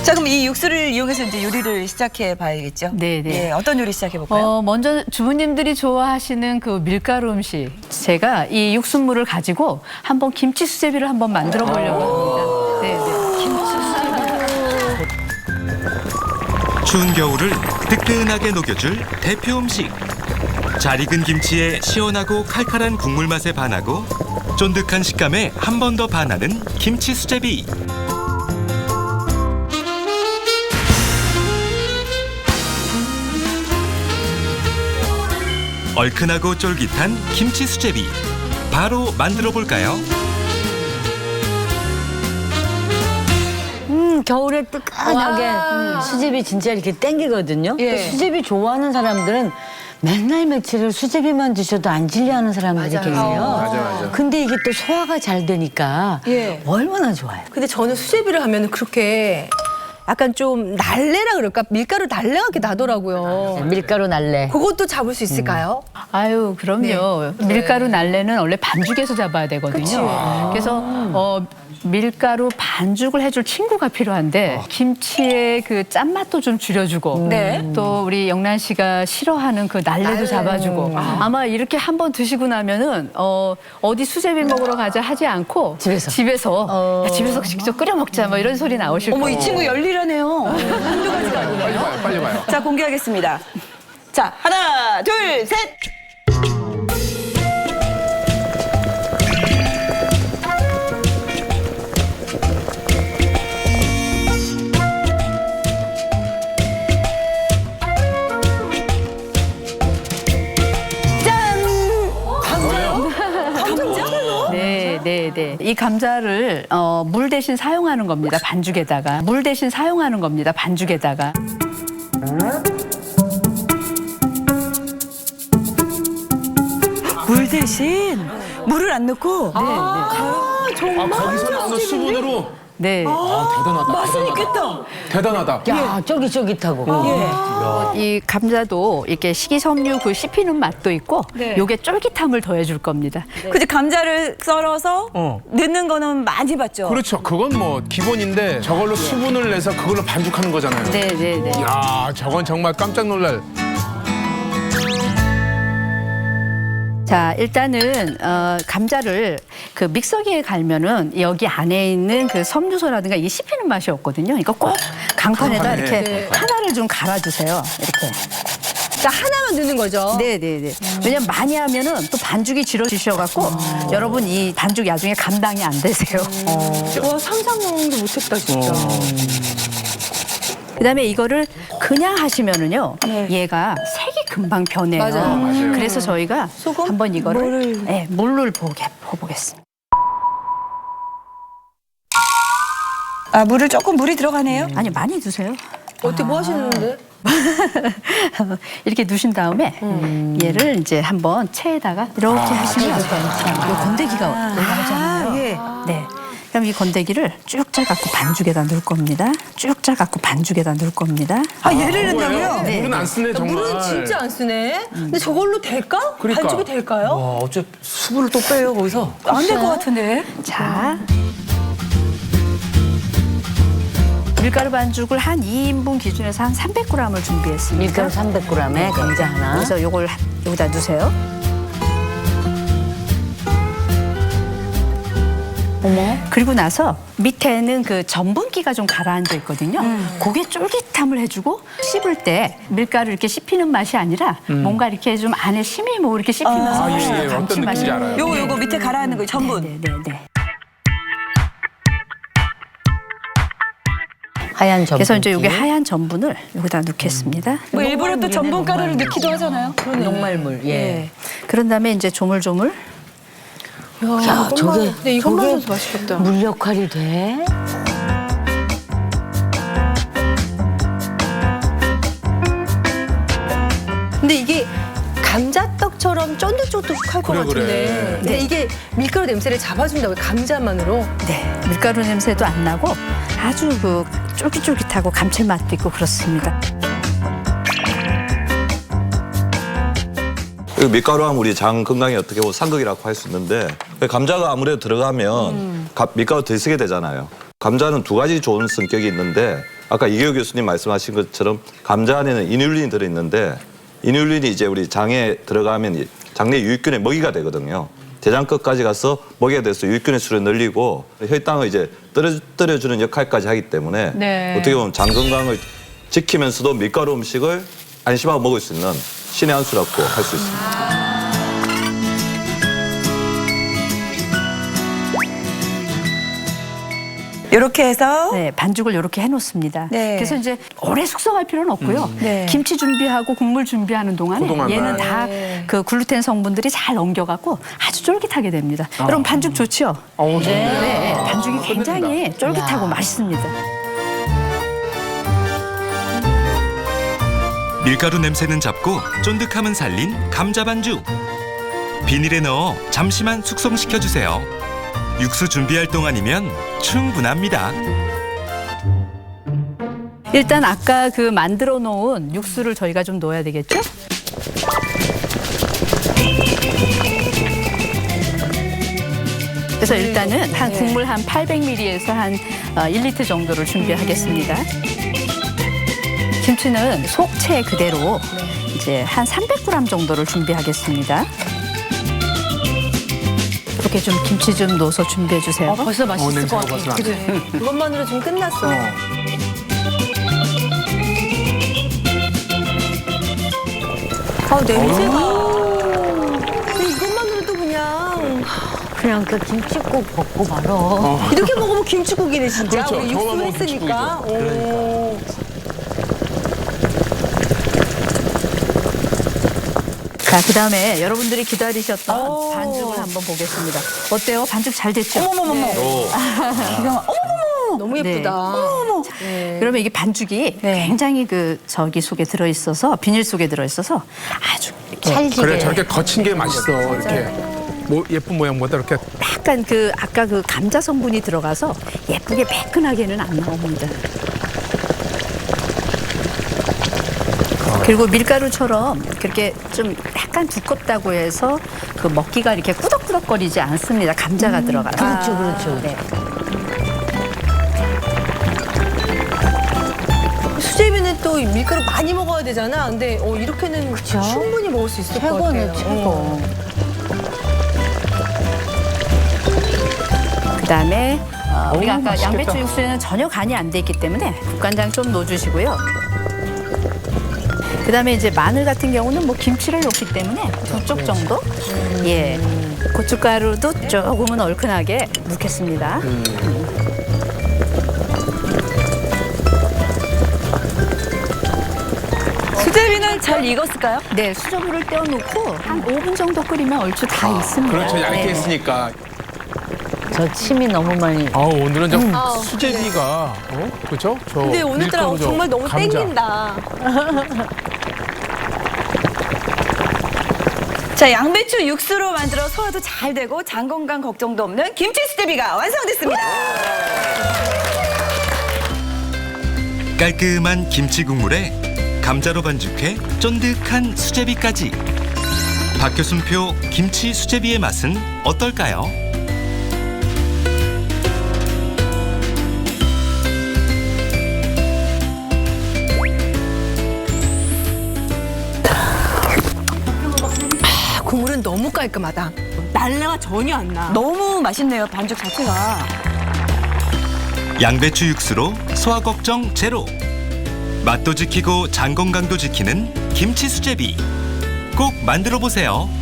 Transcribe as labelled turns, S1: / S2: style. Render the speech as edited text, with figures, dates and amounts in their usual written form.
S1: 자, 그럼 이 육수를 이용해서 이제 요리를 시작해 봐야겠죠?
S2: 네네.
S1: 예, 어떤 요리 시작해 볼까요?
S2: 먼저 주부님들이 좋아하시는 그 밀가루 음식. 제가 이 육수물을 가지고 한번 김치 수제비를 한번 만들어 보려고 합니다. 네네.
S3: 추운 겨울을 뜨끈하게 녹여줄 대표 음식. 잘 익은 김치에 시원하고 칼칼한 국물 맛에 반하고 쫀득한 식감에 한 번 더 반하는 김치 수제비. 얼큰하고 쫄깃한 김치 수제비. 바로 만들어 볼까요?
S4: 겨울에 뜨끈하게 수제비 진짜 이렇게 땡기거든요.
S1: 예.
S4: 수제비 좋아하는 사람들은 맨날 며칠을 수제비만 드셔도 안 질려하는 사람들이 계세요.
S5: 맞아.
S4: 근데 이게 또 소화가 잘 되니까
S6: 예.
S4: 얼마나 좋아요.
S6: 근데 저는 수제비를 하면 그렇게 약간 좀 날래라 그럴까? 밀가루 날래가 이렇게 나더라고요.
S4: 밀가루 날래.
S6: 그것도 잡을 수 있을까요?
S2: 아유, 그럼요. 밀가루 날래는 원래 반죽에서 잡아야 되거든요. 그래서 밀가루 반죽을 해줄 친구가 필요한데 김치의 그 짠맛도 좀 줄여주고
S1: 네.
S2: 또 우리 영란 씨가 싫어하는 그 날래도 잡아주고 아마 이렇게 한번 드시고 나면은 어디 수제비 먹으러 가자 하지 않고 집에서 야, 집에서 직접 끓여 먹자 뭐 이런 소리 나오실
S1: 어머,
S2: 거예요.
S1: 이 친구 열일하네요. 한두 가지가 아니네요.
S5: 빨리 봐요.
S1: 자, 공개하겠습니다. 자, 하나, 둘, 셋.
S2: 네. 이 감자를 물 대신 사용하는 겁니다. 반죽에다가. 물 대신 사용하는 겁니다. 반죽에다가.
S1: 물 대신 물을 안 넣고.
S5: 거기서 나오는 수분으로.
S2: 네.
S5: 대단하다.
S1: 맛은 있겠다.
S5: 대단하다.
S4: 야, 쫄깃쫄깃하고.
S2: 이 감자도 이렇게 식이섬유 그 씹히는 맛도 있고
S1: 네.
S2: 요게 쫄깃함을 더해줄 겁니다.
S1: 근데 감자를 썰어서 넣는 거는 많이 봤죠?
S5: 그렇죠. 그건 뭐 기본인데 저걸로 수분을 내서 그걸로 반죽하는 거잖아요.
S2: 네.
S5: 야, 저건 정말 깜짝 놀랄.
S2: 자, 일단은 감자를 그 믹서기에 갈면은 여기 안에 있는 그 섬유소라든가 이게 씹히는 맛이 없거든요. 그러니까 꼭 강판에다 이렇게 하나를 좀 갈아주세요. 이렇게.
S6: 자, 하나만 넣는 거죠.
S2: 네네네. 왜냐면 많이 하면은 또 반죽이 질어지셔갖고 여러분 이 반죽 나중에 감당이 안 되세요.
S6: 와, 상상도 못했다, 진짜.
S2: 그다음에 이거를 그냥 하시면은요, 얘가 색이 금방 변해요.
S6: 맞아요.
S2: 그래서 저희가 한번 이거를 물을 보겠습니다.
S1: 아, 물이 들어가네요?
S2: 아니 많이 드세요.
S6: 어떻게 뭐 하시는데?
S2: 이렇게 두신 다음에 얘를 이제 한번 체에다가 이렇게 하시면 이 건더기가 올라오잖아요.
S1: 예.
S2: 네. 그럼 이 건더기를 쭉 짜갖고 반죽에다 넣을 겁니다. 쭉 짜갖고 반죽에다 넣을 겁니다.
S1: 아, 얘를 넣는다고요?
S5: 물은 안 쓰네, 정말.
S6: 물은 진짜 안 쓰네. 근데 저걸로 될까?
S5: 그러니까.
S6: 반죽이 될까요?
S7: 어째 수분을 또 빼요 거기서?
S1: 안 될 것 같은데.
S2: 자. 밀가루 반죽을 한 2인분 기준에서 한 300g을 준비했습니다.
S4: 밀가루 300g에 감자 하나.
S2: 그래서 요걸 여기다 넣으세요.
S4: 어머.
S2: 그리고 나서 밑에는 그 전분기가 좀 가라앉아 있거든요. 그게 쫄깃함을 해주고 씹을 때 밀가루 이렇게 씹히는 맛이 아니라 뭔가 이렇게 좀 안에 심이 뭐 이렇게 씹히면서 훨씬 더
S5: 어떤
S2: 감칠맛이
S5: 느낌인지 알아요.
S1: 요거 밑에 가라앉는 거 전분.
S2: 네.
S4: 하얀 전분.
S2: 그래서 이제 여기 하얀 전분을 여기다 넣겠습니다.
S1: 뭐 일부러 또 전분 가루를 넣기도 하잖아요.
S4: 녹말물. 예.
S2: 그런 다음에 이제 조물조물.
S4: 야, 저게
S6: 근데 이것만 해도 맛있겠다.
S4: 물 역할이 돼?
S6: 근데 이게 감자떡처럼 쫀득쫀득할 것
S5: 그래,
S6: 같은데.
S5: 그래.
S6: 근데 이게 밀가루 냄새를 잡아준다고요, 감자만으로.
S2: 네, 밀가루 냄새도 안 나고 아주 그 쫄깃쫄깃하고 감칠맛도 있고 그렇습니다.
S8: 밀가루 하면 우리 장 건강에 어떻게 보면 상극이라고 할 수 있는데 감자가 아무래도 들어가면 밀가루 더 쓰게 되잖아요. 감자는 두 가지 좋은 성격이 있는데 아까 이계호 교수님 말씀하신 것처럼 감자 안에는 이뉼린이 들어있는데 이뉼린이 이제 우리 장에 들어가면 장내 유익균의 먹이가 되거든요. 대장 끝까지 가서 먹이가 돼서 유익균의 수를 늘리고 혈당을 이제 떨어뜨려주는 역할까지 하기 때문에
S2: 네.
S8: 어떻게 보면 장 건강을 지키면서도 밀가루 음식을 안심하고 먹을 수 있는 신의 한 수라고 할 수 있습니다.
S1: 이렇게 해서
S2: 네, 반죽을 이렇게 해놓습니다.
S1: 네.
S2: 그래서 이제 오래 숙성할 필요는 없고요.
S1: 네.
S2: 김치 준비하고 국물 준비하는 동안에
S5: 그동안만.
S2: 얘는 다 그 글루텐 성분들이 잘 엉겨갖고 아주 쫄깃하게 됩니다. 여러분 반죽 좋죠? 네, 반죽이 굉장히 쫄깃하고 맛있습니다.
S3: 밀가루 냄새는 잡고 쫀득함은 살린 감자 반죽. 비닐에 넣어 잠시만 숙성시켜 주세요. 육수 준비할 동안이면 충분합니다.
S2: 일단 아까 그 만들어 놓은 육수를 저희가 좀 넣어야 되겠죠? 그래서 일단은 한 국물 한 800ml에서 한 1리터 정도를 준비하겠습니다. 김치는 속채 그대로 이제 한 300g 정도를 준비하겠습니다. 이렇게 좀 김치 좀 넣어서 준비해 주세요.
S4: 벌써 맛있을 것
S5: 냄새가
S4: 같아.
S5: 벌써 나네.
S6: 그래. 그것만으로 지금 끝났어. 아, 냄새가. 이것만으로도 그냥
S4: 그 김치국 먹고 말어.
S6: 이렇게 먹으면 김치국이네 진짜.
S5: 그렇죠.
S6: 우리
S5: 저거만
S6: 육수
S5: 먹으면
S6: 했으니까. 오.
S2: 자, 그다음에 여러분들이 기다리셨던 반죽을 한번 보겠습니다. 어때요? 반죽 잘 됐죠?
S6: 너무 예쁘다. 네.
S2: 그러면 이게 반죽이 굉장히 그 저기 속에 들어 있어서 비닐 속에 들어 있어서 아주 이렇게
S4: 찰지게.
S5: 그래 저렇게 거친 게 맛있어. 이렇게 뭐 예쁜 모양보다 이렇게
S2: 약간 그 아까 그 감자 성분이 들어가서 예쁘게 매끈하게는 안 나옵니다. 그리고 밀가루처럼 그렇게 좀 약간 두껍다고 해서 그 먹기가 이렇게 꾸덕꾸덕거리지 않습니다. 감자가 들어가서.
S4: 그렇죠, 그렇죠.
S2: 네.
S6: 수제비는 또 밀가루 많이 먹어야 되잖아. 근데 이렇게는 충분히 먹을 수 있을 것 같아요.
S4: 최고네, 최고.
S2: 그다음에 우리가 아까
S5: 맛있겠다.
S2: 양배추 육수에는 전혀 간이 안 돼 있기 때문에 국간장 좀 넣어주시고요. 그다음에 이제 마늘 같은 경우는 뭐 김치를 넣기 때문에 2쪽 정도, 예, 고춧가루도 조금은 얼큰하게 넣겠습니다.
S1: 수제비는 잘 익었을까요?
S2: 네, 수저물을 떼어놓고 한 5분 정도 끓이면 얼추 다 있습니다.
S5: 그렇죠 얇게
S2: 네.
S5: 했으니까.
S4: 저 침이 너무 많이.
S5: 오늘은 좀 수제비가 그렇죠? 저
S6: 근데 오늘따라
S5: 밀가루 저
S6: 정말 너무
S5: 감자.
S6: 땡긴다.
S1: 자, 양배추 육수로 만들어 소화도 잘 되고 장 건강 걱정도 없는 김치 수제비가 완성됐습니다.
S3: 깔끔한 김치 국물에 감자로 반죽해 쫀득한 수제비까지. 박효순표 김치 수제비의 맛은 어떨까요?
S6: 국물은 너무 깔끔하다. 날래가 전혀 안 나.
S1: 너무 맛있네요, 반죽 자체가.
S3: 양배추 육수로 소화 걱정 제로. 맛도 지키고 장 건강도 지키는 김치 수제비. 꼭 만들어 보세요.